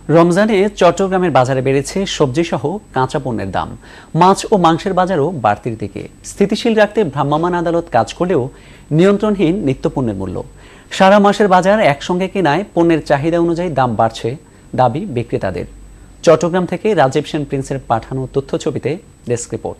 রমজানে চট্টগ্রামের বাজারে বেড়েছে সবজিসহ কাঁচা পণ্যের দাম। মাছ ও মাংসের বাজারও বাড়তির দিকে। স্থিতিশীল রাখতে ভ্রাম্যমাণ আদালত কাজ করলেও নিয়ন্ত্রণহীন নিত্যপণ্যের মূল্য। সারা মাসের বাজার একসঙ্গে কেনায় পণ্যের চাহিদা অনুযায়ী দাম বাড়ছে, দাবি বিক্রেতাদের। চট্টগ্রাম থেকে রাজীব সেন প্রিন্সের পাঠানো তথ্যছবিতে ডেস্ক রিপোর্ট।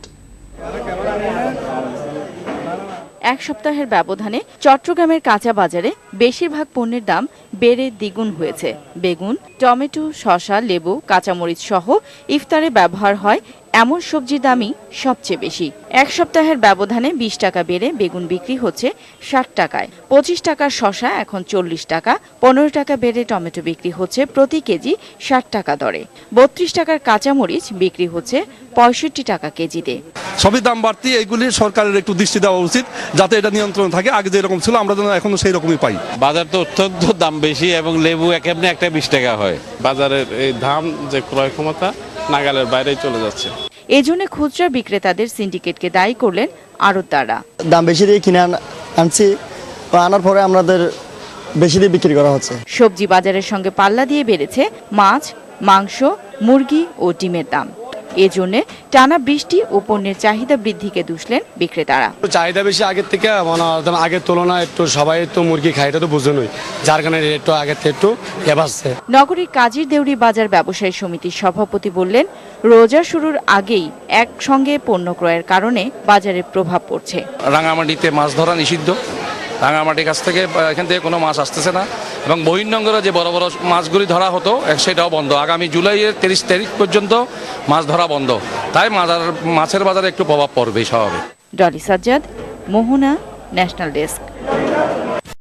এক সপ্তাহের ব্যবধানে চট্টগ্রামের কাঁচা বাজারে বেশিরভাগ পণ্যের দাম বেড়ে দ্বিগুণ হয়েছে। বেগুন, টমেটো, শসা, লেবু, কাঁচামরিচ সহ ইফতারে ব্যবহার হয় এমন সবজির দামই সবচেয়ে বেশি। এক সপ্তাহের ব্যবধানে 20 টাকা বেড়ে বেগুন বিক্রি হচ্ছে 60 টাকায়। 25 টাকার শসা এখন 40 টাকা। 15 টাকা বেড়ে টমেটো বিক্রি হচ্ছে প্রতি কেজি 60 টাকা দরে। 32 টাকার কাঁচামরিচ বিক্রি হচ্ছে 65 টাকা কেজিতে। সবই দাম বাড়তি, এইগুলি সরকারের একটু দৃষ্টি দেওয়া উচিত, যাতে এটা নিয়ন্ত্রণ থাকে। আগে যেরকম ছিল আমরা যেন এখনো সেই রকমই পাই। বাজার তো অত্যন্ত দাম বেশি এবং লেবু এমনি একটা 20 টাকা হয়। বাজারের এই দাম যে ক্রয় ক্ষমতা নাগালের বাইরেই চলে যাচ্ছে। এজন্য খুচরা বিক্রেতাদের সিন্ডিকেটকে দায়ী করলেন আড়তদাররা। দাম বেশি দিয়ে কিনে আনছি, আনার পরে আমাদের বেশি দিয়ে বিক্রি করা হচ্ছে। সবজি বাজারের সঙ্গে পাল্লা দিয়ে বেড়েছে মাছ, মাংস, মুরগি ও ডিমের দাম। এজন্য টানা বৃষ্টি ও পণ্যের চাহিদা বৃদ্ধিকে দুষলেন বিক্রেতারা। চাহিদা বেশি আগের থেকে, আগের তুলনায় একটু সবাই তো মুরগি খায়, এটা তো বুঝেনই, যার কারণে একটু আগের থেকে একটু বাড়ছে। নগরীর কাজীর দেউরি বাজার ব্যবসায়ী সমিতির সভাপতি বললেন, রোজা শুরুর আগেই একসঙ্গে পণ্য ক্রয়ের কারণে বাজারে প্রভাব পড়ছে। রাঙামাটিতে মাছ ধরা নিষিদ্ধ। রাঙামাটির কাছ থেকে এখান থেকে কোনো মাছ আসতেছে না এবং বহির্নগরে যে বড় বড় মাছগুলি ধরা হতো সেটাও বন্ধ। আগামী জুলাইয়ের 30 তারিখ পর্যন্ত মাছ ধরা বন্ধ। তাই মাছের বাজারে একটু প্রভাব পড়বে স্বাভাবিক। Dolly Sajjad, Mohona, national desk.